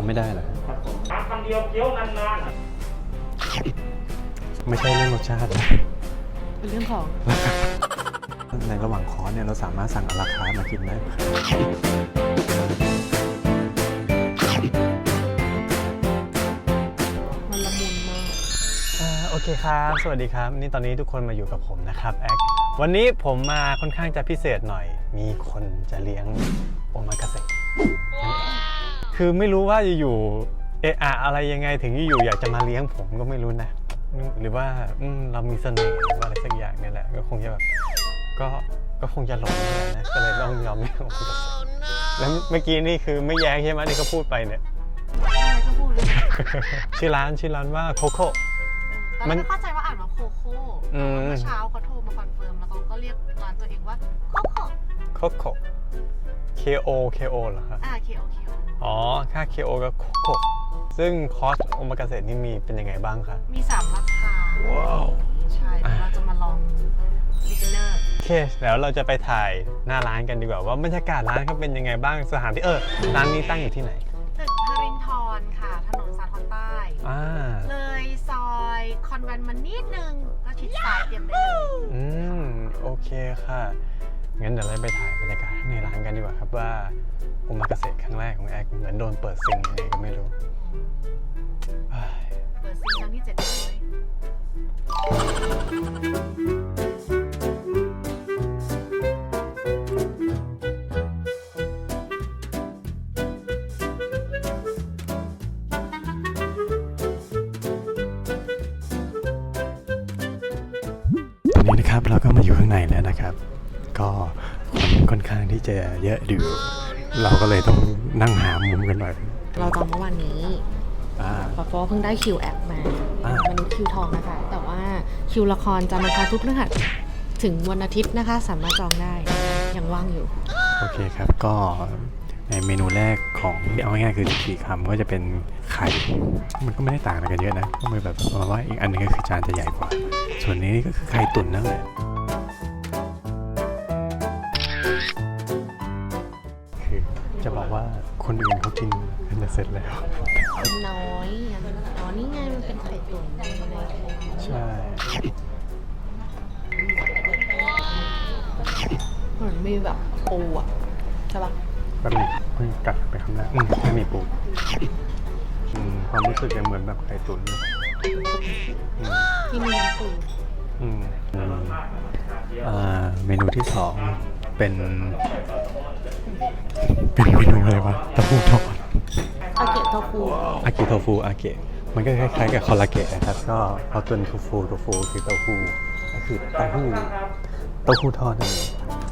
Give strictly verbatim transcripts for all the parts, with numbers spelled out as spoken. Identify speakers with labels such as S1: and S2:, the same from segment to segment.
S1: ไม่ได้เหรอ
S2: ครับผมคำเดียวเคี้ยวนาน
S1: ๆไม่ใช่เรื่องรสชาตินะ
S3: เป็นเรื่องของ
S1: ในระหว่างคอร์สเนี่ยเราสามารถสั่งอาราคาร์ทมากินได้
S3: มันละมุนมาก
S1: โอเคครับสวัสดีครับนี่ตอนนี้ทุกคนมาอยู่กับผมนะครับแอควันนี้ผมมาค่อนข้างจะพิเศษหน่อยมีคนจะเลี้ยงโอมากาเสะคือไม่รู้ว่าอยู่เอะอะอะไรยังไงถึงอยู่อยากจะมาเลี้ยงผมก็ไม่รู้นะหรือว่าเรามีเสน่ห์หรือว่าอะไรสักอย่างนี่แหละก็คงจะแบบก็ก็คงจะหลงนะก็เลยต้องยอมเลี้ยงโอมากาเสะแล้วเมื่อกี้นี่คือไม่แย้งใช่ไหมที่เขาพูดไปเนี่ย
S3: อะไรก็พูดเลย
S1: ชื่อร้านชื่อร้านว่าโคโค่
S3: ตอนแรกเข้าใจว่าอ่านว่าโคโค่เมื่อเช้าเขาโทรมาคอนเฟิร์มแล้วเขาก็เรียกร้านตัวเองว่าโคโค่
S1: โคโค่ K O K O เหรอครับ
S3: อ่า K O K O
S1: อ๋อค่า K O กับโคโค่ซึ่งคอร์สโอมากาเสะนี่มีเป็นยังไงบ้างครับ
S3: มีสามราคาว้าวใช่เราจะมาลอง beginner
S1: โอเคแล้วเราจะไปถ่ายหน้าร้านกันดีกว่าว่าบรรยากาศร้านเขาเป็นยังไงบ้างสถานที่เออร้านนี้ตั้งอยู่ที่ไหน
S3: ตึกฮารินทรค่ะถนนสาทรใต้เลยซอยคอนแวนต์มานิดนึงก็ชิดซ้ายเตรียมได้เลย
S1: อืมโอเคค่ะงั้นเดี๋ยวเราไปถ่ายบรรยากาศในร้านกันดีกว่าครับว่าโอมากาเสะครั้งแรกของแอคเหมือนโดนเปิดซิงยังไงก็ไม่รู้
S3: เปิดซิงครั้งที่เจ็ดร้อย
S1: ตอนนี้นะครับเราก็มาอยู่ข้างในแล้วนะครับก็คนค่อนข้างที่จะเยอะอยู่เราก็เลยต้องนั่งหามุมกันหน่อย
S3: เราจองเมื่อวานนี้เพราะเพิ่งได้คิวแอปมาวันนี้คิวทองนะคะแต่ว่าคิวละครจะมาคาทุกเรื่องถึงวันอาทิตย์นะคะสามารถจองได้ยังว่างอยู่
S1: โอเคครับก็ในเมนูแรกของเอาง่ายๆคือสี่คำก็จะเป็นไข่มันก็ไม่ได้ต่างกันเยอะนะก็มีแบบเพราะว่าอีกอันนึงก็คือจานจะใหญ่กว่าส่วนนี้ก็คือไข่ตุ๋นนั่นแหละคือจะบอกว่าคนอื่นเขากินกันจะเสร็จแล้ว
S3: น้อยอ๋อนี่ไงมันเป็นไข่ตุ๋น
S1: ใช่
S3: เหมือนมีแบบปูอ่ะใช่ปะ
S1: แบบนี้เพิ่งกัดไปคำแรกไม่มีปูความรู้สึกยังเหมือนแบบไข่ตุ๋น
S3: ที่มีน้ำปู
S1: เมนูที่สองเป็นเป็นเมนูอะไรวะเต้าหู้ทอด
S3: อาเกะโทฟู
S1: อาเกะโทฟูอาเกะมันก็คล้ายๆกับคอลลาเกะนะครับก็เอาตัวโทฟูโทฟูคือเต้าหู้ก็คือเต้าหู้เต้าหู้ทอดนั่นเอง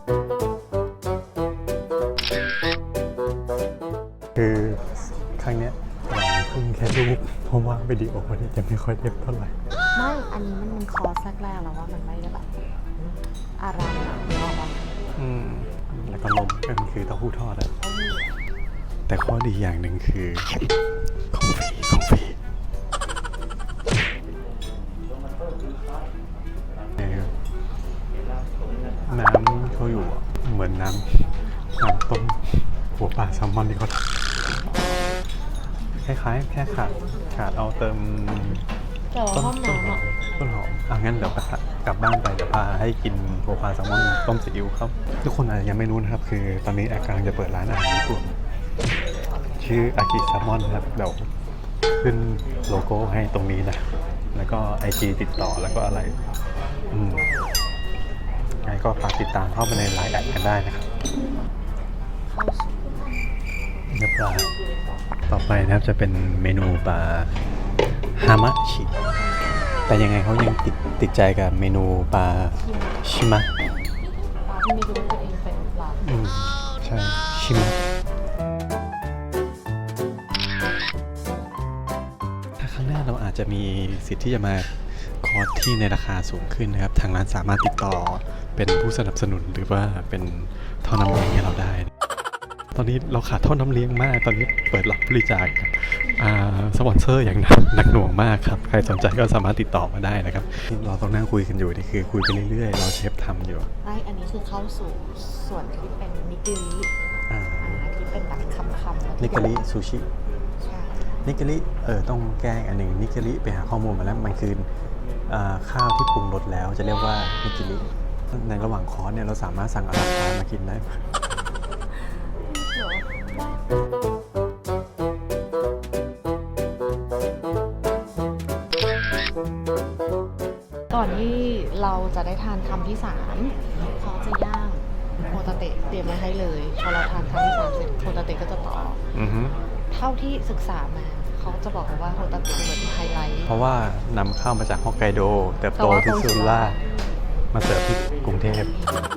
S1: คือครั้งนี้หวังพึ่งแค่รูปเพราะว่าวิดีโอนี่จะไม่ค่อยเด็บเท่าไหร่
S3: ไม่อันนี้มันคอร์สแรกๆแล้วว่ามันไม่ได้แบบอะไรนะเนาะ
S1: อืมแล้วก็นมก็คือเต้าหู้ทอดอะแต่ข้อดีอย่างหนึ่งคือของฟรีของฟรีน้ำเขาอยู่เหมือนน้ำน้ำต้มหัวปลาแซลมอนที่เขาทำคล้ายๆแค่ขาดขาดเอาเติม
S3: ต้นหอม
S1: ต้นหอมอ่ะงั้นเดี๋ยวกลับบ้านไปเดี๋ยวพาให้กินหัวปลาแซลมอนต้มซีอิ๊วครับทุกคนอาจจะยังไม่รู้นะครับคือตอนนี้แอร์กำลังจะเปิดร้านอาหารญี่ปุ่นชื่ออากิแซลมอนครับเดี๋ยวขึ้นโลโก้ให้ตรงนี้นะแล้วก็ไอจีติดต่อแล้วก็อะไรอืมงั้นก็ฝากติดตามเข้าไปในไลน์แอดกันได้นะครับเนื้อปลาต่อไปนะครับจะเป็นเมนูปลาฮามะชิแต่ยังไงเขายังติดติดใจกับเมนูปลาชิมะ
S3: ปลาที่ไม่รู้ตัวเองเป็นปลา
S1: อืมใช่ชิมะถ้าครั้งหน้าเราอาจจะมีสิทธิ์ที่จะมาคอร์สที่ในราคาสูงขึ้นนะครับทางร้านสามารถติดต่อเป็นผู้สนับสนุนหรือว่าเป็นท่อน้ำเลี้ยงให้เราได้ตอนนี้เราขาดท่อน้ำเลี้ยงมากตอนนี้เปิดรับบริจาคสปอนเซอร์อย่างหนักหน่วงมากครับใครสนใจก็สามารถติดต่อมาได้นะครับเราต้องนั่งคุยกันอยู่นี่คือคุยไปเรื่อยๆเราเชฟทำอยู่
S3: ใช่อันนี้คือเข้าสู่ส่วนที่เป็นนิกิริอ่าที่เป็นแบบคำๆ
S1: นิกิริซูชิ
S3: ใช่
S1: นิกิริเออต้องแก้อันหนึ่งนิกิริไปหาข้อมูลมาแล้วมันคืออ่าข้าวที่ปรุงรสแล้วจะเรียกว่านิกิริในระหว่างคอร์สเนี่ยเราสามารถสั่งอาราคาร์ทมากินได้
S3: ก่อนที่เราจะได้ทานคำที่สามเขาจะย่างโฮตาเตะเตรียมไว้ให้เลยพอเราทานคำที่สามเสร็จโฮตาเตะก็จะต่อ
S1: อือฮึ
S3: เท่าที่ศึกษามาเขาจะบอกว่าโฮตาเตะเหมือนไฮไลท์
S1: เพราะว่านำเข้ามาจากฮอกไกโดเติบโตที่สุราษฎร์มาเสิร์ฟที่กรุงเทพ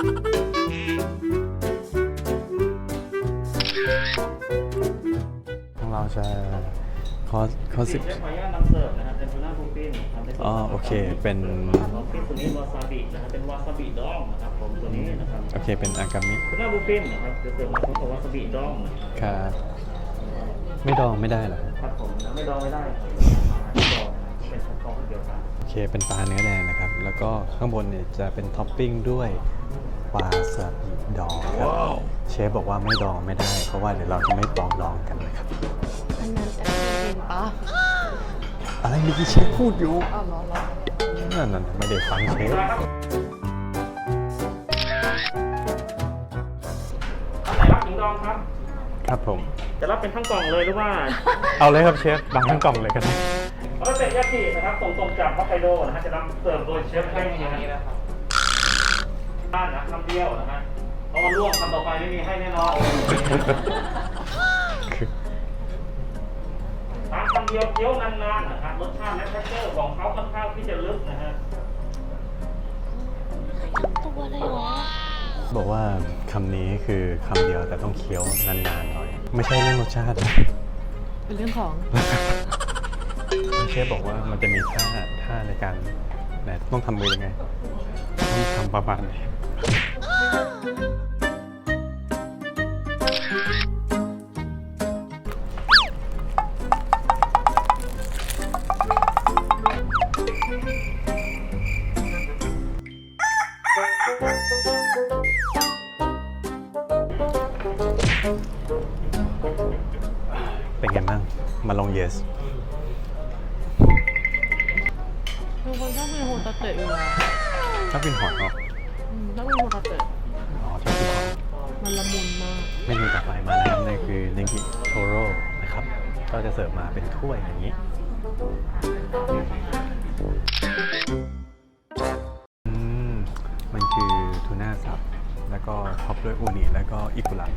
S1: ของเราจะคอคอสิบ
S2: เชฟขออนุญาตนำเสิร์ฟนะครับเป็นทูน่าบูฟินทำเป็น
S1: อ๋อโอเคเป็น
S2: บูฟินตัวนี้วาซาบินะครับเป็นวาซาบิดองนะครับผมตัวนี้นะครับ
S1: โอเคเป็นอากามิ
S2: ทูน่าบูฟินนะครับจะเสิร์ฟมาพร้อมกับวาซาบิดองนะครับ
S1: ครับไม่ดองไม่ได้เหรอ
S2: ครับผมไม่ดองไม่ได้ไม่ดองเป็นชั้นกองเดียวกัน
S1: โอเคเป็นปลาเนื้อแดงนะครับ แล้วก็ข้างบนเนี่ยจะเป็นท็อปปิ้งด้วยวาซาบิดองครับเชฟบอกว่าไม่ดองไม่ได้ เพราะว่าเดี๋ยวเราจะไม่ปองดองกันนะครับ
S3: อันนั้นแอบเองปะ
S1: อะไรเมื่อกี้เชฟพูดอยู่
S3: อ๋อเหรอเหรอ
S1: นั่นนั่นไม่ได้ฟังเชฟ
S2: ท่านไหนรับหญิงดองครับ
S1: ครับผม
S2: จะรับเป็นทั้งกล่องเลยหรือว่า
S1: เอาเลยครับเชฟดังทั้งกล่องเลยกัน
S2: โฮตาเตะยากินะครับส่งตรงจากฮอกไกโดนะฮะจะนำเสิร์ฟโดยเชฟให้อย่างนี้นะครับบ้านนะคำเดียวนะฮะเพราะว่าล่วงคำต่อไปไม่มีให้แน่นอน ทานคำเดียวเคี้ยวนานๆนะครับรสชาติและเท็กเจอร์ของเขาค่อนข้างที่จะลึกนะฮะ
S3: ตัวเลยเหรอ
S1: บอกว่าคำนี้คือคำเดียวแต่ต้องเคี้ยวนานๆหน่อย ไม่ใช่เรื่องรสชาตินะ
S3: เป็นเรื่องของ
S1: เชฟบอกว่ามันจะมีท่าท่าในการไหนต้องทำมือยังไงต้องทำประมาณนี้เป็นไงบ้างมาลองเยส
S3: คือคนชอบกินโฮตาเตะอยู่แล้ว
S1: ชอบกินหอยเนาะ
S3: อืมชอบกินโฮตาเตะ
S1: อ๋อชอบกินหอย
S3: มันละมุนมาก
S1: เมนูต่อไปมาแล้วนั่นคือเนกิโทโร่นะครับ ก็จะเสิร์ฟมาเป็นถ้วยอย่างนี้อืมมันคือทูน่าสับ แล้วก็ท็อปด้วยอูนิแล้วก็อิกุระ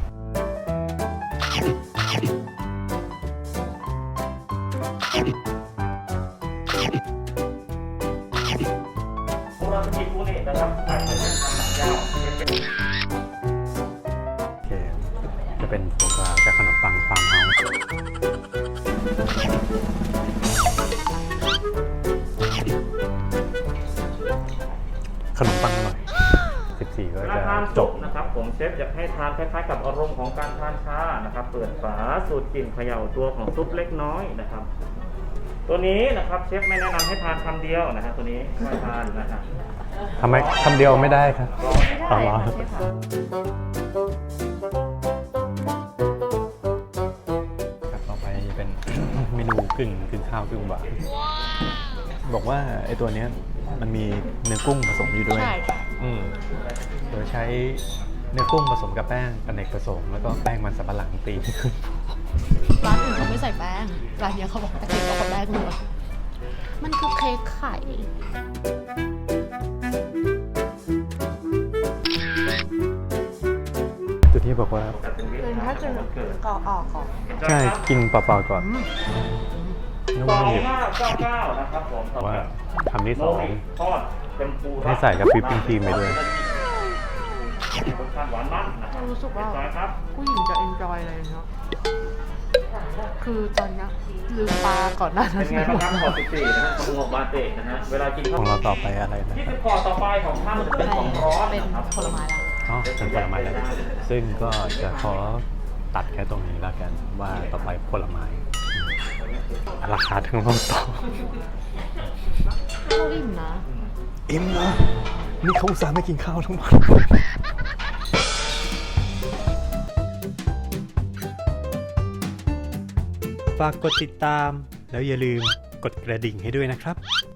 S2: โบราณสกิฟูนินะครับใส่เป็นทางหนังยาวเป็น
S1: โอเค จะเป็นโฟกรากับขนมปังฟาร์มเฮาส์ขนมปังอร่อย สิบสี่ ก็
S2: เว
S1: จะ
S2: ลาทาน
S1: จ
S2: จ
S1: บ
S2: บนะครับผมเชฟอยากให้ทานคล้ายๆกับอารมณ์ของการทานชานะครับเปิดฝาสูตรกลิ่นเขย่าตัวของซุปเล็กน้อยนะครับ ตัวนี้นะครับเชฟไม่แนะนำให้ทานคำเดียวนะฮะตัวนี้ไม่ทานนะฮะ
S1: ทำไมคำเดียวไม่ได้ครับ
S3: ไม่ได้
S1: อ๋อ
S3: ค่ะเชฟค่ะ
S1: ครับต่อไปจะเป็น เมนูกึ่งกึ่งข้าวกึ่งหวานบอกว่าไอ้ตัวเนี้ยมันมีเนื้อกุ้งผสมอยู่ด้วย
S3: ใช่ค่ะ
S1: อืมโดยใช้เนื้อกุ้งผสมกับแป้งอเนกประสงค์แล้วก็แป้งมันสำปะหลังตีให้ขึ้น
S3: ร้านอื่นเขาไม่ใส่แป้ง ร้านเนี้ยเขาบอกแต่เค้กเอาแป้งเลยมันคือเค้กไข่
S1: จุดที่บอกว่า
S3: เป็นถ้ากินก่อออกก่อน
S1: ใช่กินเปล่าๆก่อนนุ่
S2: สอง
S1: ม
S2: ห้าเก้าเก้านะครับผม
S1: ๆว่าคำที่ส
S2: โน
S1: อง
S2: ริทอดเต็มปู
S1: ให้ใส่กับวิปปิ้งครีมไปด้วย
S2: รสชาติหวานมันนะครับ
S3: รู้สึกว่า
S2: เรียบร้อยครับ
S3: ผู้หญิงจะเอนจอยอะไรเนาะ คือตอนเนี้ยลืมปลาก่อนหน้านั้
S2: เป็น นไงบ้างครับขอสิบสี่นะฮะของหมวกบาเตะนะฮะเวลากิน
S1: ข
S2: ข้าว
S1: องเราต่อไปอะไรนะ
S2: ที่
S1: ครั
S2: สิ
S1: บบ
S2: คอต่อไปของท่านจะเป็นของร้อน
S3: เป็น
S2: นะครับ
S3: ผลไม้แล้ว
S1: อ๋อเป็นผลไม้แล้วซึ่งก็จะขอตัดแค่ตรงนี้แล้วกันว่าต่อไปผลไม้ราคาทั้งโลกต่อ
S3: ก็อิ่มนะ
S1: อิ่มเหรอนี่เขาอุตส่าห์ไม่กินข้าวทั้งวันฝากกดติดตามแล้วอย่าลืมกดกระดิ่งให้ด้วยนะครับ